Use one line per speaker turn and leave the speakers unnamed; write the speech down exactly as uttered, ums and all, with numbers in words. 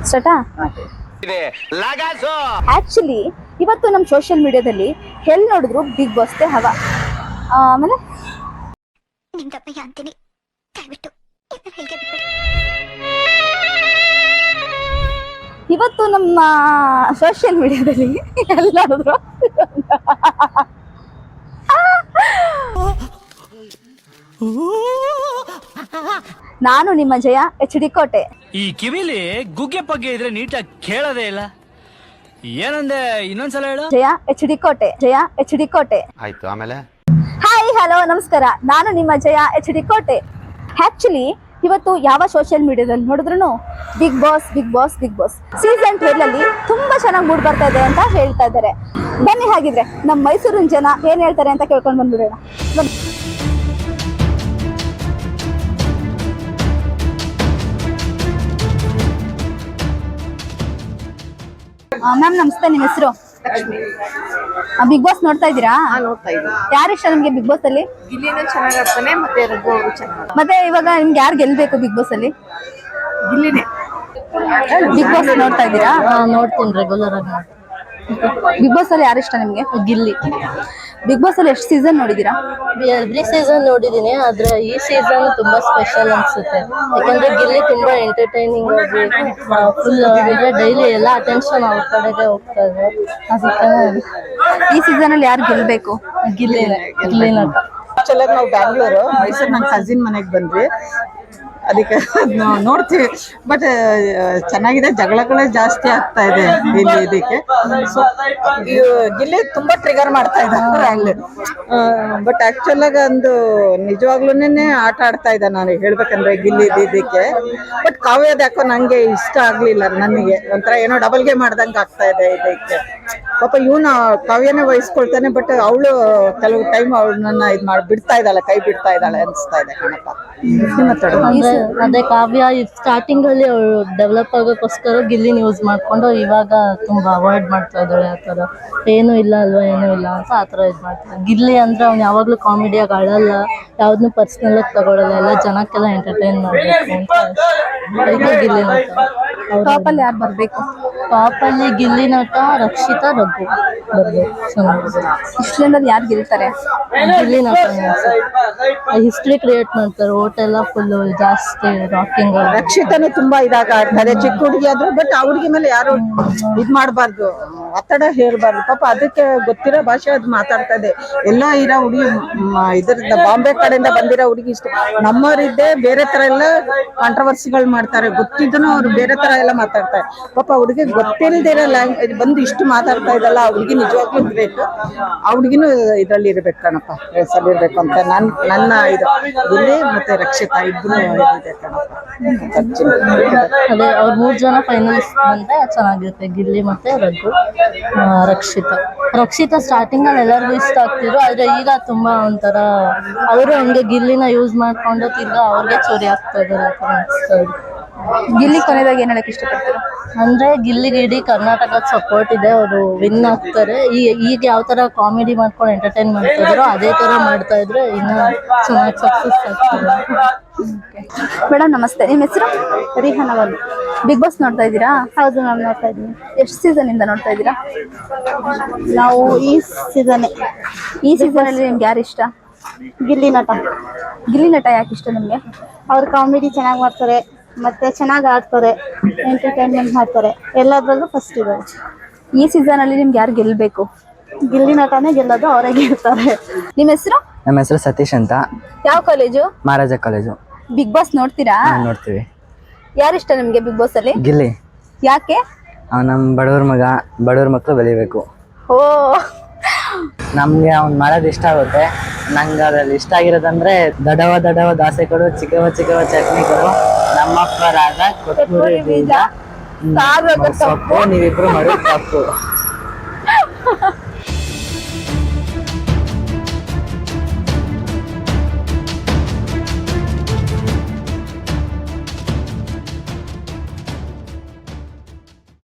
ಸ್ಟಾರ್ಟಾ? Actually ಇವತ್ತು ನಮ್ಮ social ಮೀಡಿಯಾದಲ್ಲಿ ಎಲ್ಲಿ ನೋಡಿದ್ರು ಬಿಗ್ ಬಾಸ್ತೆ ಹವಾ. ಆಮೇಲೆ ಇವತ್ತು ನಮ್ಮ ಸೋಷಿಯಲ್ ಮೀಡಿಯಾದಲ್ಲಿ ಎಲ್ಲಿ ನೋಡಿದ್ರು ನಾನು ನಿಮ್ಮ ಜಯ ಎಚ್ ಡಿ ಕೋಟೆ.
ಈ ಕಿವಿಲಿ ಗುಗ್ಗೆ ಪಗ್ಗೆ ಇದ್ರೆ ನೀಟಾಗಿ ಕೇಳೋದೇ ಇಲ್ಲ. ಏನಂದೆ ಇನ್ನೊಂದ್ಸಲ ಹೇಳು.
ಜಯ ಎಚ್ ಡಿ ಕೋಟೆ, ಜಯ ಎಚ್ ಡಿ ಕೋಟೆ.
ಆಯ್ತು, ಆಮೇಲೆ
ಹಾಯ್ ಹಲೋ ನಮಸ್ಕಾರ, ನಾನು ನಿಮ್ಮ Jaya H D Kote. Actually ಇವತ್ತು ಯಾವ ಸೋಷಿಯಲ್ ಮೀಡಿಯಾದಲ್ಲಿ ನೋಡಿದ್ರು big boss big boss big boss season twelve ಅಲ್ಲಿ ತುಂಬಾ ಚೆನ್ನಾಗಿ ಮೂಡ್ ಬರ್ತಾ ಇದೆ ಅಂತ ಹೇಳ್ತಾ ಇದ್ದಾರೆ. ಬನ್ನಿ ಹಾಗಿದ್ರೆ ನಮ್ಮ ಮೈಸೂರಿನ ಜನ ಏನ್ ಹೇಳ್ತಾರೆ ಅಂತ ಕೇಳ್ಕೊಂಡು ಬಂದ್ಬಿಡೋಣ. ಮ್ಯಾಮ್ ನಮಸ್ತೆ, ನಿಮ್ಮ ಹೆಸರು? ಬಿಗ್ ಬಾಸ್ ನೋಡ್ತಾ ಇದ್ದೀರಾ?
ನೋಡ್ತಾ ಇದ್ದೀನಿ.
ಯಾರು ಇಷ್ಟ ನಿಮ್ಗೆ ಬಿಗ್ ಬಾಸ್ ಅಲ್ಲಿ?
ಗಿಲ್ಲಿನೂ ಚೆನ್ನಾಗಿ ಆಡ್ತಾನೆ, ಮತ್ತೆ ರಘು ಅವರು ಚೆನ್ನಾಗಿ.
ಮತ್ತೆ ಇವಾಗ ನಿಮ್ಗೆ ಯಾರು ಗೆಲ್ಬೇಕು ಬಿಗ್ ಬಾಸ್ ಅಲ್ಲಿ?
ಗಿಲ್ಲಿನೇ.
ಬಿಗ್ ಬಾಸ್ ನೋಡ್ತಾ ಇದ್ದೀರಾ?
ನೋಡ್ತೀನಿ, ರೆಗ್ಯುಲರ್ ಆಗಿ ನೋಡ್ತೀನಿ.
ಬಿಗ್ ಬಾಸ್ ಅಲ್ಲಿ ಯಾರು ಇಷ್ಟ ನಿಮ್ಗೆ?
ಗಿಲ್ಲಿ.
ಬಿಗ್ ಬಾಸ್ ಅಲ್ಲಿ ಎಷ್ಟು ಸೀಸನ್ ನೋಡಿದೀರಾ?
ಎವ್ರಿ ಸೀಸನ್ ನೋಡಿದೀನಿ, ಆದ್ರೆ ಈ ಸೀಸನ್ ತುಂಬಾ ಸ್ಪೆಷಲ್ ಅನ್ಸುತ್ತೆ. ಯಾಕಂದ್ರೆ ಗಿಲ್ಲಿ ತುಂಬಾ ಎಂಟರ್ಟೈನಿಂಗ್ ಆಗಿ ಫುಲ್ ಅಂದ್ರೆ ಡೈಲಿ ಎಲ್ಲ ಅಟೆನ್ಷನ್ ಅವ್ರ ಕಡೆಗೆ ಹೋಗ್ತಾ ಇದೆ. ಅದಕ್ಕೆ
ಈ ಸೀಸನ್ ಅಲ್ಲಿ ಯಾರು ಗೆಲ್ಬೇಕು?
ಗಿಲ್ಲಿನೇ. ಗಿಲ್ಲಿ ನಟ.
ಆಕ್ಚುಲಿ ನಾವು ಬ್ಯಾಂಗ್ಳೂರು, ಮೈಸೂರು ನನ್ನ ಕಸಿನ್ ಮನೆಗೆ ಬಂದ್ವಿ, ಅದಕ್ಕೆ ನಾವು ನೋಡ್ತೀವಿ. ಬಟ್ ಚೆನ್ನಾಗಿದೆ, ಜಗಳಗಳೇ ಜಾಸ್ತಿ ಆಗ್ತಾ ಇದೆ ಇಲ್ಲಿ ಇದಕ್ಕೆ. ಸೊ ಗಿಲ್ಲಿ ತುಂಬಾ ಟ್ರಿಗರ್ ಮಾಡ್ತಾ ಇದ್ದಾರೆ ಅಲ್ಲಿ. ಬಟ್ ಆಕ್ಚುಲ್ ಆಗಿ ಒಂದು ನಿಜವಾಗ್ಲೂನೇ ಆಟ ಆಡ್ತಾ ಇದ್ದ, ನಾನು ಹೇಳ್ಬೇಕಂದ್ರೆ ಗಿಲ್ಲಿ ಇದಕ್ಕೆ. ಬಟ್ ಕಾವ್ಯದ ಯಾಕೋ ನಂಗೆ ಇಷ್ಟ ಆಗ್ಲಿಲ್ಲ, ನನಗೆ ಒಂಥರ ಏನೋ ಡಬಲ್ ಗೇಮ್ ಮಾಡ್ದಂಗೆ ಆಗ್ತಾ ಇದೆ ಇದಕ್ಕೆ. ಪಾಪ ಇವನು ಕಾವ್ಯನೇ ವಹಿಸ್ಕೊಳ್ತಾನೆ, ಬಟ್ ಅವಳು ಕೆಲವು ಟೈಮ್ ಅವಳನ್ನ ಇದ್ ಮಾಡಿ ಬಿಡ್ತಾ ಇದ್ದಾಳೆ, ಕೈ ಬಿಡ್ತಾ ಇದ್ದಾಳೆ ಅನ್ಸ್ತಾ ಇದೆ ಕಣಪ್ಪ.
ಅದೇ ಕಾವ್ಯ ಸ್ಟಾರ್ಟಿಂಗ್ ಅಲ್ಲಿ ಅವಳು ಡೆವಲಪ್ ಆಗೋಕ್ಕೋಸ್ಕರ ಗಿಲ್ಲಿನ ಯೂಸ್ ಮಾಡ್ಕೊಂಡು ಇವಾಗ ತುಂಬಾ ಅವಾಯ್ಡ್ ಮಾಡ್ತಾ ಇದ್ದಾಳೆ. ಆತರ ಏನು ಇಲ್ಲ ಅಲ್ವಾ, ಏನು ಇಲ್ಲ ಅಂತ ಆತರ ಇದ್ ಮಾಡ್ತಾರೆ. ಗಿಲ್ಲಿ ಅಂದ್ರೆ ಅವ್ನು ಯಾವಾಗ್ಲೂ ಕಾಮಿಡಿಯಾಗಿ ಆಡಲ್ಲ, ಯಾವ್ದನ್ನು ಪರ್ಸನಲ್ ಆಗಿ ತಗೊಳಲ್ಲ, ಎಲ್ಲ ಜನಕ್ಕೆಲ್ಲ ಎಂಟರ್ಟೈನ್ ಮಾಡ್ಬೇಕು ಅಂತ. ಅದಕ್ಕೆ ಗಿಲ್ಲಿ ನಟ.
ಟಾಪ್ ಅಲ್ಲಿ ಯಾರು ಬರ್ಬೇಕು?
ಟಾಪ್ ಅಲ್ಲಿ ಗಿಲ್ಲಿ ನಟ, ರಕ್ಷಿತಾ, ರಘು ಬರ್ಬೇಕು. ಚೆನ್ನಾಗಿದೆ.
ಇಷ್ಟರಲ್ಲಿ ಯಾರು ಗೆಲ್ತಾರೆ?
ಗಿಲ್ಲಿ ನಟ ಹಿಸ್ಟ್ರಿ ಕ್ರಿಯೇಟ್ ಮಾಡ್ತಾರೆ, ಓಟ್ ಎಲ್ಲ ಫುಲ್ ಜಾಸ್ತಿ ರಾಕಿಂಗ್.
ರಕ್ಷಿತನು ತುಂಬಾ ಇದಾಗ ಆಡ್ತಾರೆ, ಚಿಕ್ಕ ಹುಡುಗಿ ಆದ್ರು. ಬಟ್ ಆ ಹುಡುಗಿ ಮೇಲೆ ಯಾರು ಇದ್ ಮಾಡ್ಬಾರ್ದು, ಒತ್ತಡ ಹೇರ್ಬಾರ್ದು. ಪಾಪ ಅದಕ್ಕೆ ಗೊತ್ತಿರೋ ಭಾಷೆ ಅದು ಮಾತಾಡ್ತಾ ಇದೆ. ಎಲ್ಲ ಇರೋ ಹುಡುಗಿ ಇದ್ರದ ಬಾಂಬೆ ಕಡೆಯಿಂದ ಬಂದಿರೋ ಹುಡುಗಿ ಇಷ್ಟ. ನಮ್ಮವರಿದ್ದೆ ಬೇರೆ ತರ ಎಲ್ಲ ಕಾಂಟ್ರವರ್ಸಿಗಳು ಮಾಡ್ತಾರೆ, ಗೊತ್ತಿದ್ದನು ಅವ್ರು ಬೇರೆ ತರ ಎಲ್ಲ ಮಾತಾಡ್ತಾರೆ. ಪಾಪ ಹುಡುಗಿ ಗೊತ್ತಿಲ್ಲದಿರೋ ಲ್ಯಾಂಗ್ವೇಜ್ ಬಂದು ಇಷ್ಟು ಮಾತಾಡ್ತಾ ಇದಲ್ಲ, ಆ ಹುಡುಗಿ ನಿಜವಾಗ್ಲೂ ಇರ್ಬೇಕು. ಆ ಹುಡುಗಿನೂ ಇದ್ರಲ್ಲಿ ಇರ್ಬೇಕು ಕಣಪ್ಪ, ರೇಸಲ್ಲಿ ಇರ್ಬೇಕು ಅಂತ ನನ್ ನನ್ನ ಇದು. ಗಿಲ್ಲಿ ಮತ್ತೆ ರಕ್ಷಿತಾ ಇಬ್ರು ಇದೆ ಕಣಪ್ಪ.
ಅದೇ ಅವ್ರ ಮೂರ್ ಜನ ಫೈನಲಿಸ್ಟ್ ಬಂದ್ರೆ ಚೆನ್ನಾಗಿರುತ್ತೆ, ಗಿಲ್ಲಿ ಮತ್ತೆ ರಘು, ರಕ್ಷಿತಾ. ರಕ್ಷಿತಾ ಸ್ಟಾರ್ಟಿಂಗ್ ಅಲ್ಲಿ ಎಲ್ಲರಿಗೂ ಇಷ್ಟ ಆಗ್ತಿದ್ರು, ಆದ್ರೆ ಈಗ ತುಂಬಾ ಒಂಥರ ಅವರು ಹಂಗೆ ಗಿಲ್ಲಿನ ಯೂಸ್ ಮಾಡ್ಕೊಂಡು ತಿರ್ಗಾ ಅವ್ರಿಗೆ ಚೋರಿ ಆಗ್ತಾ ಇದಾರೆ ಆತರ ಅನಿಸ್ತಾ ಇದೆ.
ಗಿಲ್ಲಿ ಕೊನೆದಾಗ ಏನ್ ಹೇಳಕ್ ಇಷ್ಟಪಡ್ತೀರಾ?
ಅಂದ್ರೆ ಗಿಲ್ಲಿಗೆ ಇಡೀ ಕರ್ನಾಟಕದ ಸಪೋರ್ಟ್ ಇದೆ, ಅವರು ವಿನ್ ಆಗ್ತಾರೆ. ಈ ಈಗ ಯಾವ ತರ ಕಾಮಿಡಿ ಮಾಡ್ಕೊಂಡು ಎಂಟರ್ಟೈನ್ ಮಾಡ್ತಾ ಇದ್ರು ಅದೇ ತರ ಮಾಡ್ತಾ ಇದ್ರೆ ಇನ್ನ ಚೆನ್ನಾಗಿ ಸಕ್ಸಸ್ ಆಗ್ತಾರೆ.
ಮೇಡಮ್ ನಮಸ್ತೆ, ನಿಮ್ಮ ಹೆಸರು?
ರಿಹಾನ ಅವರು.
ಬಿಗ್ ಬಾಸ್ ನೋಡ್ತಾ ಇದ್ದೀರಾ?
ಹೌದು, ನಾನು ನೋಡ್ತಾ ಇದ್ದೀನಿ.
ಎಷ್ಟು ಸೀಸನ್ ಇಂದ ನೋಡ್ತಾ ಇದ್ದೀರಾ?
ನಾವು ಈ ಸೀಸನ್
ಈ ಸೀಸನ್ ಅಲ್ಲಿ ನಿಮ್ಗೆ ಯಾರು ಇಷ್ಟ?
ಗಿಲ್ಲಿ ನಟ.
ಗಿಲ್ಲಿ ನಟ ಯಾಕೆ ಇಷ್ಟ ನಿಮ್ಗೆ?
ಅವ್ರ ಕಾಮಿಡಿ ಚೆನ್ನಾಗಿ ಮಾಡ್ತಾರೆ, ಮತ್ತೆ ಚೆನ್ನಾಗಿ ಆಡ್ತಾರೆ, ಎಂಟರ್ಟೈನ್ಮೆಂಟ್ ಮಾಡ್ತಾರೆ, ಎಲ್ಲದ್ರಲ್ಲೂ ಫಸ್ಟ್ ಇದ್ದಾರೆ.
ಈ ಸೀಸನ್ ಅಲ್ಲಿ ನಿಮ್ಗೆ ಯಾರು ಗೆಲ್ಬೇಕು?
ಗಿಲ್ಲಿ ನಟನೇ ಗೆಲ್ಲೋದು, ಅವರೇ ಗೆಲ್ತಾರೆ.
ನಿಮ್ಮ ಹೆಸರು?
ನಮ್ಮ ಹೆಸರು ಸತೀಶ್ ಅಂತ.
ಯಾವ college?
Maharaja college.
Big boss ನೋಡ್ತೀರಾ?
ನೋಡ್ತೀವಿ.
ಯಾರು ಇಷ್ಟ ನಿಮ್ಗೆ ಬಿಗ್ ಬಾಸ್ ಅಲ್ಲಿ?
ಗಿಲ್ಲಿ.
ಯಾಕೆ?
ನಮ್ಮ ಬಡವ್ರ ಮಗ, ಬಡವ್ರ ಮಕ್ಕಳು ಬೆಳಿಬೇಕು.
ಓ,
ನಮ್ಗೆ ಅವ್ನು ಮಾಡೋದು ಇಷ್ಟ ಆಗುತ್ತೆ. ನಂಗೆ ಅದ್ರಲ್ಲಿ ಇಷ್ಟ ಆಗಿರೋದಂದ್ರೆ ದಡವ ದಡವ ದಾಸೆ ಕೊಡು, ಚಿಕ್ಕವ ಚಿಕ್ಕವ ಚಟ್ನಿ ಕೊಡು, ನಮ್ಮಪ್ಪ ರಾಗ ಕೊತ್ತಂಬರಿ ಬೀಜ ಸೊಪ್ಪು, ನೀವಿಬ್ರು ಮಾಡೋದು ತಪ್ಪು.